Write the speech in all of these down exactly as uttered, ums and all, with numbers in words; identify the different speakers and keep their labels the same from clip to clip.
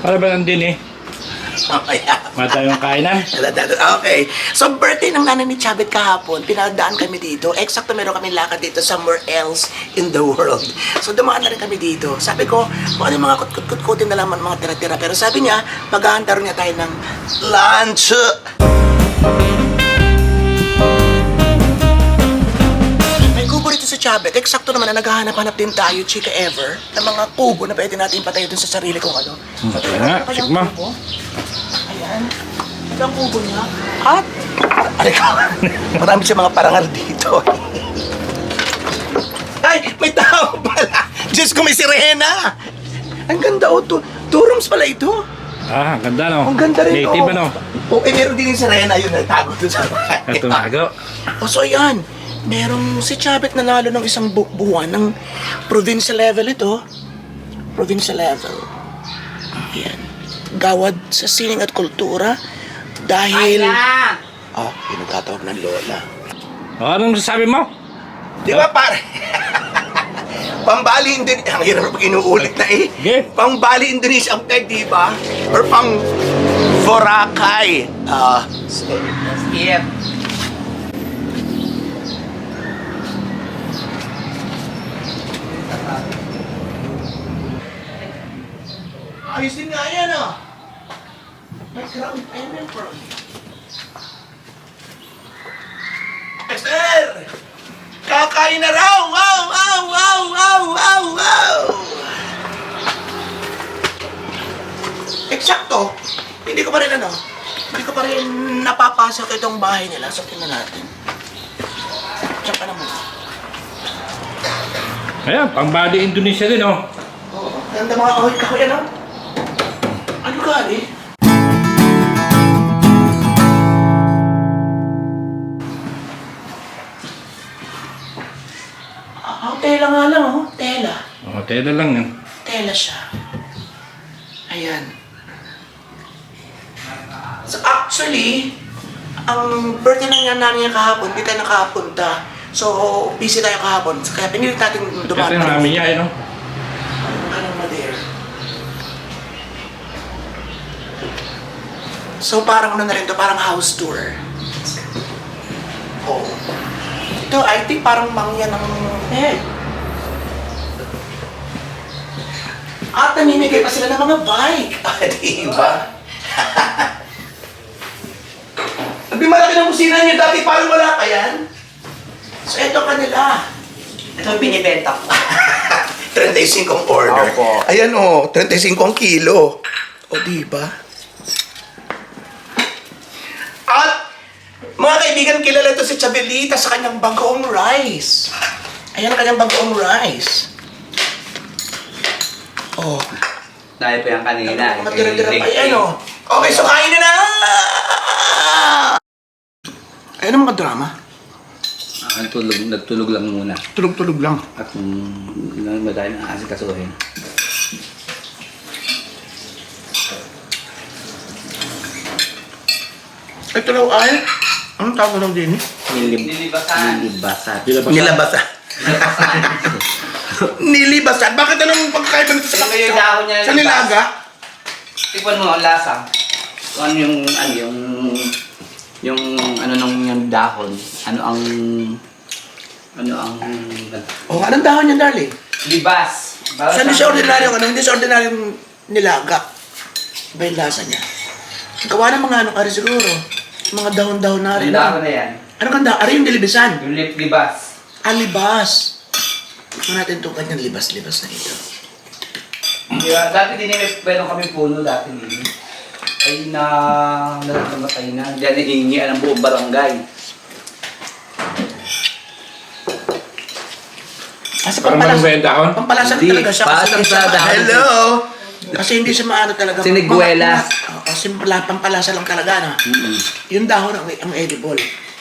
Speaker 1: Para ba nandun eh?
Speaker 2: Mamaya.
Speaker 1: Mata yung kainan.
Speaker 2: Okay. So, birthday ng nanay ni Chabet kahapon, pinadaan kami dito. Eksakto meron kami lakad dito somewhere else in the world. So, dumaan na rin kami dito. Sabi ko, kung ano yung mga kut-kut-kutin na lang, mga tira-tira. Pero sabi niya, maghahanda rin niya tayo ng lunch. May kubo rito sa Chabet. Eksakto naman na naghahanap-hanap din tayo, chika ever, ng mga kubo na pwede natin patayo dun sa sarili kong ano.
Speaker 1: Hmm,
Speaker 2: So,
Speaker 1: kaya nga,
Speaker 2: ano kayang
Speaker 1: check mo.
Speaker 2: kubo? Ayan. Ito ang kubo niya. At, aray ko, marami siya mga parangal dito. Ay, may tao pala. Diyos ko, may sirena. Ang ganda, oh. Two, two rooms pala ito.
Speaker 1: Ah, ang ganda no?
Speaker 2: Ang ganda rin,
Speaker 1: Native
Speaker 2: oh.
Speaker 1: ano?
Speaker 2: Oh, eh, meron din yung sirena. Yun, nagtago doon sa bahay.
Speaker 1: At tumago.
Speaker 2: Oh, so ayan. Merong si Chabet nanalo ng isang bu- buwan ng provincial level ito. Provincial level. Ayan. Gawad sa sining at kultura dahil... Oh, yung nagtatawag ng lola.
Speaker 1: O, anong masasabi mo?
Speaker 2: Di ba pare? Pambali Indonesia. Ang hirap pag inuulit na eh.
Speaker 1: Okay.
Speaker 2: Pambali Indonesia ang peg, di ba? Or pang Boracay. Ah,
Speaker 3: Yep.
Speaker 2: ayos din nga yan ah. May ground payment for me. Esther! Kakain na raw! Wow! Wow! Wow! Wow! Wow! Wow! Eksakto! Hindi ko pa rin ano, hindi ko pa rin napapasok itong bahay nila. So, tingnan natin. Check ka naman.
Speaker 1: Ayan, pang-body Indonesia din oh.
Speaker 2: Oo. Ganda mga kahoy-kahoy ano? Ano ka eh? Ah, tela nga lang oh. Tela.
Speaker 1: O, tela lang yan.
Speaker 2: Tela siya. Ayan. So actually, ang birthday na niya namin niya kahapon, hindi tayo nakapunta. So, busy tayo kahapon. Kaya pinilit natin
Speaker 1: Kasi
Speaker 2: dumaan.
Speaker 1: namin niya, ano?
Speaker 2: Anong Madeira? So parang ano na rin to, parang house tour. Oh. Ito, I think parang mangyan ng... Eh. At namimigay pa sila ng mga bike. Ah, diba? Sabi malaki ng kusina niyo dati, parang wala pa yan. So ito kanila.
Speaker 3: Ito yung binibenta ko.
Speaker 2: thirty-five ang order.
Speaker 3: Opo.
Speaker 2: Ayan o, oh, thirty-five ang kilo. O, diba? At, mga kaibigan, kilala ito si Chabelita sa kanyang bagoong rice. Ayan ang kanyang bagoong rice. Oh,
Speaker 3: Dahil pa yung kanina.
Speaker 2: matira-tira pa yan o. Okay, so kain na na! Ayan ang mga drama.
Speaker 3: Ah, nagtulog, nagtulog lang muna.
Speaker 2: Tulog-tulog lang.
Speaker 3: At um, madami na asikasuhin.
Speaker 2: Ito daw ay, anong tawag daw din eh?
Speaker 3: Nilib
Speaker 4: Nilibasan.
Speaker 3: Nilibasan.
Speaker 2: Nilabasan. Nilibasan? Bakit anong pagkakaiba nito sa
Speaker 4: Yung yung dahon niya
Speaker 2: Sa
Speaker 4: nilibas.
Speaker 2: nilaga?
Speaker 4: Tikman mo ang lasa.
Speaker 3: Kung ano yung, ano yung, yung, ano nung yung dahon, ano ang, ano ang,
Speaker 2: O, anong dahon niya, darling?
Speaker 4: Libas. Para
Speaker 2: So, hindi
Speaker 4: sa-
Speaker 2: siya ordinaryong ano, hindi siya ordinaryong nilaga. Iba yung lasa niya. Gawa ng mga ano ka rin siguro. Mga dahon-dahon na rin.
Speaker 4: Ang dahon na yan.
Speaker 2: Ano kanda? Ari yung dilibisan.
Speaker 4: Yung lip libas.
Speaker 2: Alibas. Tignan natin itong kanyang libas-libas na ito.
Speaker 4: Diba? Dati din may meron kami puno dati din. Ay na namatay na. Diyan hihingian ang buong barangay.
Speaker 2: Kasi
Speaker 1: Parang
Speaker 2: pampalas,
Speaker 1: may dahon?
Speaker 2: pampalasan
Speaker 3: Hindi,
Speaker 2: talaga siya. Kasi
Speaker 3: palasang
Speaker 2: hindi siya
Speaker 3: sa
Speaker 2: ma-
Speaker 3: dahon.
Speaker 2: Hello! Kasi hindi siya maano talaga.
Speaker 3: Siniguelas.
Speaker 2: Ma- ma- Kasi pala- pampalasa lang talaga na.
Speaker 3: mm
Speaker 2: Yung dahon ang, ang edible.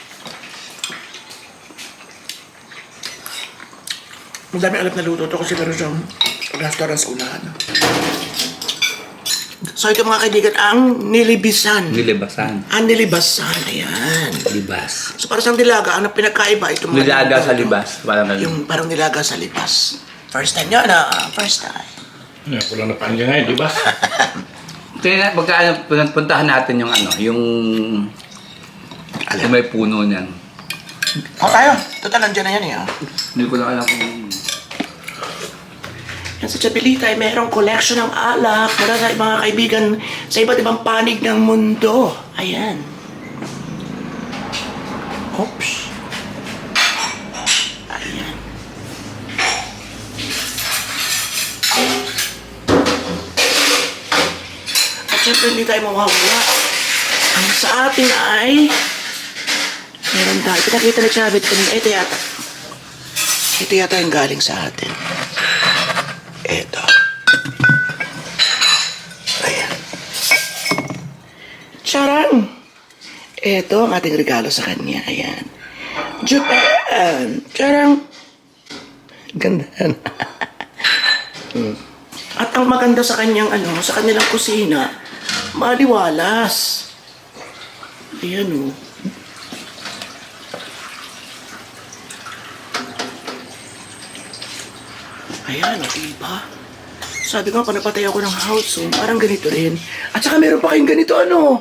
Speaker 2: Ang dami alam na luto to kasi meron siyang restaurant sa unahan. So ito mga kaibigan, ang nilibisan.
Speaker 3: Nilibasan.
Speaker 2: Ang nilibasan, ayan.
Speaker 3: Libas.
Speaker 2: So para sa dilaga, ang pinagkaiba, ito mga
Speaker 3: Nilaga
Speaker 2: luto
Speaker 3: sa
Speaker 2: to.
Speaker 3: libas. Parang ganun.
Speaker 2: Yung parang nilaga sa libas. First time yun ah, first time.
Speaker 1: Ayan, kulang na paan dyan ngayon, di ba?
Speaker 4: Kaya pagka ano, pun- puntahan natin yung ano, yung... Alam may puno niyan.
Speaker 2: O tayo, total nandiyan na yan eh. ah.
Speaker 4: Hindi ko na alam kung...
Speaker 2: Yan sa Chapelita ay mayroong collection ng alak para sa mga kaibigan sa iba't ibang panig ng mundo. Ayan. Oops. Ayan. At syempre hindi tayo mawawala. Ang sa atin ay meron tayo. Pinakita ni Chavit kanina. Ito yata. Ito yata yung galing sa atin. Ito. Ayan. Charang! Ito ang ating regalo sa kanya. Ayan. Japan! Charang! Ganda. Hmm. At ang maganda sa kanyang ano, sa kanilang kusina, maliwalas. Ayan o. Ayan, o, diba? Sabi ko, pag napatay ako ng house, oh, parang ganito rin. At saka meron pa kayong ganito, ano?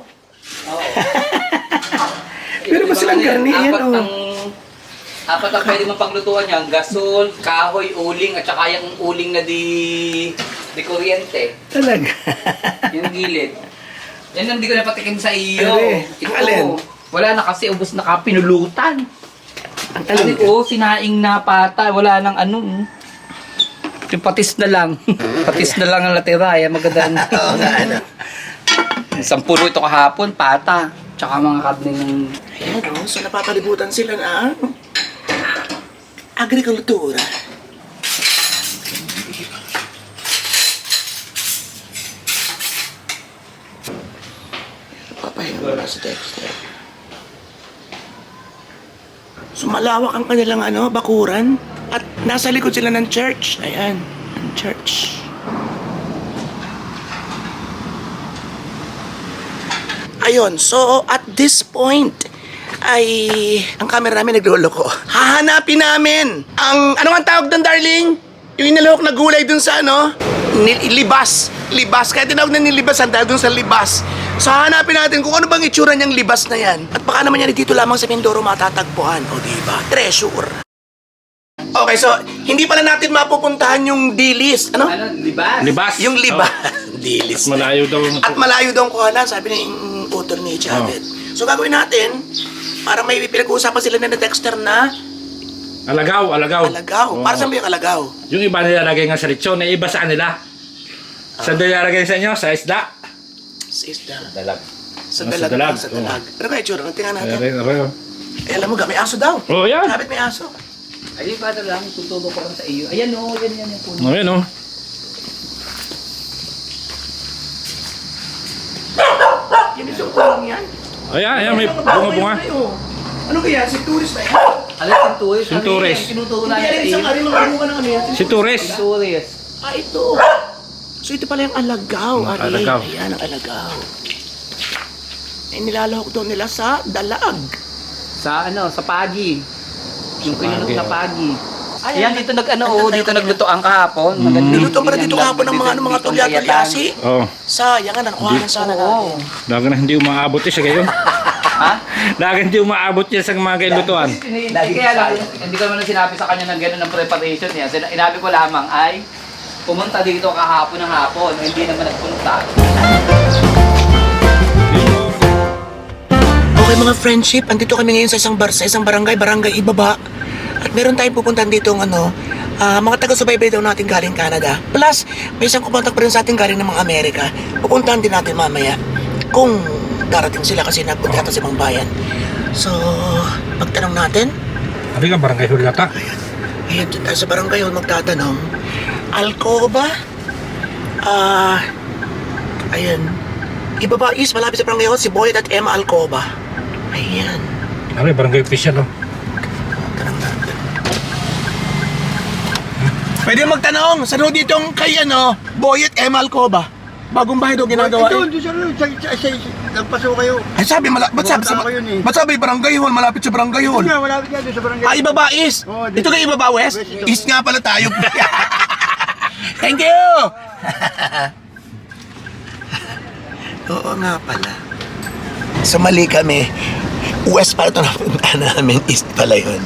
Speaker 2: Meron pa silang garni, yan,
Speaker 4: apat
Speaker 2: oh.
Speaker 4: ang... Apat ang pwede mong paglutuan niya. Gasol, kahoy, uling, at saka yung uling na di... di kuryente.
Speaker 2: Talaga.
Speaker 4: Yung gilid. Yan ang hindi ko napatikim sa iyo.
Speaker 2: Are,
Speaker 4: Ito,
Speaker 2: ang alin?
Speaker 4: wala na kasi, ubos na ka, pinulutan.
Speaker 2: Ang
Speaker 4: Ano
Speaker 2: talaga.
Speaker 4: ko, sinaing na pata, wala nang ano. mm. Yung patis na lang. Patis na lang ang natira. Yan maganda.
Speaker 2: Oo nga, ano?
Speaker 4: Isang puno ito kahapon, pata. Tsaka mga karne ng...
Speaker 2: Ayan, o. So, napapalibutan sila na agrikultura. Papahinga mo na si Dexter. So, malawak ang kanilang ano, bakuran. At nasa likod sila ng church. Ayan, ang church. Ayun, so at this point, ay ang camera namin nagloloko. Hahanapin namin ang, ano ang tawag doon, darling? Yung inalahok na gulay dun sa ano? Ni- libas. Libas. Kaya tinawag na nilibas ang dahil dun sa libas. So hahanapin natin kung ano bang itsura niyang libas na yan. At baka naman yan dito lamang sa Mindoro matatagpuan. O diba? Treasure. Okay, so hindi pala natin mapupuntahan yung dilis. Ano?
Speaker 4: Ano, libas?
Speaker 1: Libas.
Speaker 2: Yung libas. Dilis.
Speaker 1: At malayo daw.
Speaker 2: At malayo daw ang kuhanan, sabi ni mm, utol ni Chavit. So gagawin natin, para may pinag-uusapan sila na Dexter na
Speaker 1: Alagaw, alagaw.
Speaker 2: alagaw.
Speaker 1: Oo.
Speaker 2: Para saan ba yung alagaw?
Speaker 1: Yung iba nilalagay nga sa lechon, na iba sa kanila. Saan nilalagay sa inyo? Sa isda?
Speaker 2: Sa isda.
Speaker 4: Dalag.
Speaker 2: Sa
Speaker 1: Ah, sa
Speaker 2: dalag.
Speaker 1: dalag.
Speaker 2: Sa dalag. Ano kaya itsura? Tingnan natin.
Speaker 1: Aray, aray.
Speaker 2: Eh, alam mo ga, may aso daw.
Speaker 1: Oh, yan.
Speaker 2: Chavit may aso.
Speaker 4: Ayun ba lang, tutulong ko lang sa iyo. Ayan o, yan yan yung puno.
Speaker 1: Oh, yan oh.
Speaker 2: Yan yung kulang yan.
Speaker 1: Ayan, ayan, may
Speaker 2: Ang bago
Speaker 1: bunga-bunga.
Speaker 2: yun, eh, oh. Ano kaya? Si tourist na yan?
Speaker 4: Alam, sinturis.
Speaker 1: Sinturis.
Speaker 4: Tinuturo
Speaker 2: Hindi
Speaker 4: namin
Speaker 2: yan
Speaker 4: sa
Speaker 2: isang
Speaker 4: iyo.
Speaker 2: ari mga bunga ng ano yan.
Speaker 1: Si Torres.
Speaker 4: Sinturis.
Speaker 2: Ah, ito. So ito pala yung alagaw,
Speaker 1: Ang
Speaker 2: ari.
Speaker 1: alagaw.
Speaker 2: Ayan ang alagaw. Eh, nilalahok daw nila sa dalag.
Speaker 4: Sa ano, sa pagi. Yung kinunok
Speaker 1: pagi,
Speaker 4: na
Speaker 1: oh.
Speaker 4: pagi.
Speaker 2: Ay,
Speaker 4: Ayan,
Speaker 2: ay,
Speaker 4: dito nag ano,
Speaker 2: ay,
Speaker 4: oh,
Speaker 2: ay,
Speaker 4: dito
Speaker 2: ay,
Speaker 4: nagluto ang kahapon. Maganda
Speaker 2: Niluto
Speaker 4: yung
Speaker 2: pala dito
Speaker 4: bilang
Speaker 2: kahapon ng mga ano, mga
Speaker 4: dito,
Speaker 2: tulya-tulyasi.
Speaker 1: Oh,
Speaker 2: Sayang nga, nakuhanan sana
Speaker 4: Oo.
Speaker 2: natin.
Speaker 1: daga na hindi umaabot eh sa gayon.
Speaker 4: Ha?
Speaker 1: Daga hindi umaabot yan sa mga kailutuan.
Speaker 4: Hindi, kaya lang, hindi ko naman sinabi sa kanya ng gano'n ng preparation niya. Sina- Inabi ko lamang ay, pumunta dito kahapon ng hapon, hindi naman nagpunta.
Speaker 2: Okay mga friendship, andito kami ngayon sa isang bar, sa isang barangay, barangay Ibaba. At meron tayong pupuntahan dito ng ano, ah, mga taga-subaybay daw natin galing Canada. Plus, may isang kumontak pa rin sa atin galing ng mga Amerika. Pupuntahan din natin mamaya kung darating sila kasi nagpunta yata sa ibang bayan. So, pagtanong natin,
Speaker 1: Abi ka, barangay Hulata.
Speaker 2: ayan, dito tayo sa barangay hall magtatanong. Alcoba? Ah, ayan. Ibaba is, malapit sa barangay hall, si Boyet at Emma Alcoba. Ayan.
Speaker 1: Abi, barangay official oh.
Speaker 2: Tanong natin. Pwede magtanong, saan ho ditong kay ano, Boyet Emma Alcoba? Bagong bahay daw ginagawa
Speaker 5: Ito,
Speaker 2: eh.
Speaker 5: doon sa sa sa sa nagpaso kayo.
Speaker 2: Ay sabi, mala, ba't sabi, sa,
Speaker 5: Bumunta ako yun eh.
Speaker 2: ba't sabi barangay hall, malapit sa barangay hall?
Speaker 5: Nga, malapit nga doon sa barangay.
Speaker 2: Ah, Ibaba is.
Speaker 5: Oo, dito.
Speaker 2: Ito kay Ibaba West?
Speaker 5: West, ito.
Speaker 2: East nga pala tayo. Thank you! Oo nga pala. So mali kami. West pala ito napunta namin. East pala yun.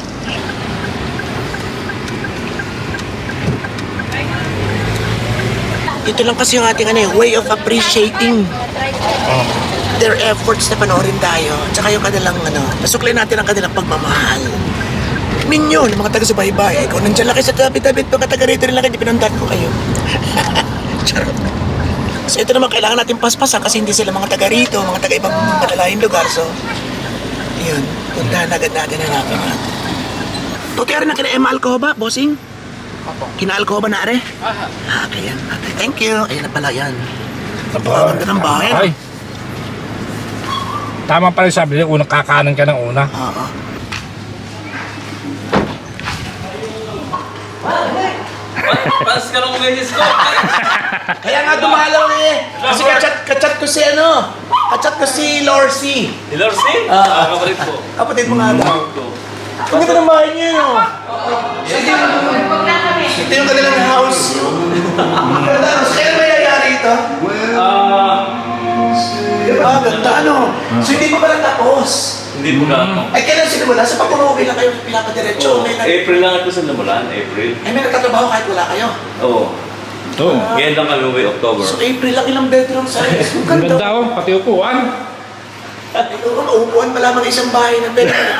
Speaker 2: Ito lang kasi yung ating ano, eh, way of appreciating their efforts na panoorin tayo. At saka yung kanilang ano, nasuklay natin ang kanilang pagmamahal. Minyo, ng mga taga-subaybay. Ikaw nandiyan lang kayo sa tabi-tabi, mga taga rito rin lang kayo, pinundan ko kayo. Charot. So ito naman, kailangan natin paspasan kasi hindi sila mga taga rito, mga taga ibang malalayong lugar. So, yun, puntahan agad natin ang natin natin. Tuti rin na kina Emma Alcoba, bossing? Kina Alcoba na are? Ah, kaya. Thank you. Ayan na pala yan. Napakaganda ng bahay.
Speaker 1: Ay. Tama pala yung sabi niya, unang kakanan ka ng una.
Speaker 2: Oo.
Speaker 4: Pas ka ng beses ko.
Speaker 2: Kaya nga dumalaw na eh. Kasi kachat, kachat ko si ano, kachat ko si Lorsi.
Speaker 4: Si Lorsi?
Speaker 2: Ah.
Speaker 4: Ah, kapalit ko.
Speaker 2: Kapatid mo nga daw. Ang ganda ng bahay niya no. Ito yung, ito yung kanilang house. Ganda, so kailan may nangyari ito?
Speaker 4: Ah,
Speaker 2: Ah, ganda ano. So hindi pa pala tapos.
Speaker 4: hindi po na.
Speaker 2: Ay kailan sinimula? Sa pag-umuwi lang kayo pinapadiretso. May, nag-
Speaker 4: April lang ito sa namulan, April.
Speaker 2: ay may nagtatrabaho kahit wala kayo.
Speaker 4: Oo.
Speaker 1: Oo.
Speaker 4: Ngayon lang kami uwi, October.
Speaker 2: So April lang ilang bedroom size. Ang
Speaker 1: Ang
Speaker 2: ganda.
Speaker 1: ganda oh, pati upuan.
Speaker 2: Ay, oo, maupuan pa lamang isang bahay ng bedroom.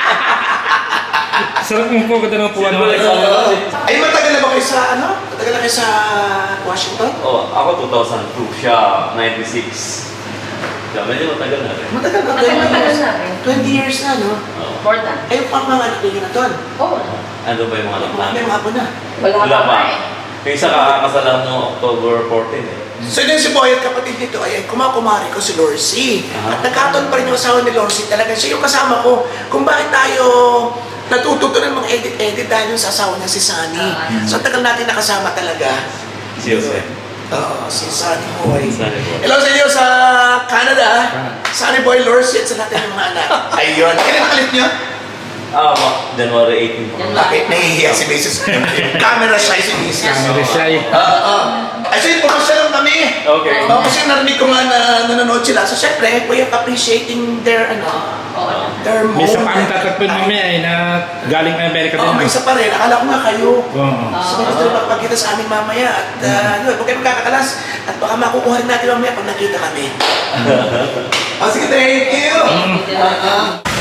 Speaker 1: Sarap mo po, ganda ng upuan mo.
Speaker 2: Ay, matagal na ba kayo sa, ano? Matagal na kayo sa Washington?
Speaker 4: Oh, ako two thousand two, siya ninety-six. Siya, medyo matagal na rin.
Speaker 2: Matagal na,
Speaker 6: Matagal
Speaker 2: twenty
Speaker 6: matagal
Speaker 2: years.
Speaker 6: na rin.
Speaker 2: twenty years na, no?
Speaker 4: Oo.
Speaker 6: Important.
Speaker 2: Ay, pang mga anak ninyo na doon.
Speaker 6: Oo.
Speaker 4: Ano ba yung mga anak
Speaker 2: May
Speaker 4: namin?
Speaker 2: mga apo na.
Speaker 6: Wala,
Speaker 4: Wala
Speaker 6: pa
Speaker 4: pa.
Speaker 6: eh.
Speaker 4: Yung isa kakakasalan no October fourteen eh.
Speaker 2: So yun si Boy at kapatid nito ay kumakumari ko si Lorsi.
Speaker 4: Aha.
Speaker 2: At nagkataon pa rin yung asawa ni Lorsi. Talagang siya yung kasama ko kung bakit tayo natututo ng mga edit-edit dahil yung sa asawa niya si Sunny. So ang tagal natin nakasama talaga.
Speaker 4: Si Jose.
Speaker 2: Oo, si Sunny Boy.
Speaker 4: Sunny Boy.
Speaker 2: Hello sa inyo sa Canada. Sunny Boy, Lorsi at sa lahat ng mga anak. Ayun. Kailan nakalit niyo?
Speaker 4: Ah, ma- January eighteen po.
Speaker 6: Yan.
Speaker 2: Bakit? Nahihiya si Missus Camera shy si Missus
Speaker 1: Camera shy.
Speaker 2: Oo, oo. Ay, so yun, pumasya lang kami.
Speaker 4: Okay.
Speaker 2: Oo, kasi narinig ko nga na nanonood sila. So, syempre, we are appreciating their, ano,
Speaker 6: Oo.
Speaker 2: their
Speaker 1: May isa pa ang
Speaker 2: moment.
Speaker 1: tatatpin mamaya eh, na galing Amerika
Speaker 2: Oo, may
Speaker 1: din.
Speaker 2: isa pa rin. Akala ko nga kayo.
Speaker 1: Oo.
Speaker 2: So, may gusto rin magpagkita sa amin mamaya. At, uh, yun, huwag kayo magkakakalas. At baka makukuha rin natin mamaya pag nakita kami. Oh, sige, thank you.
Speaker 6: Thank you.
Speaker 2: Ah, ah.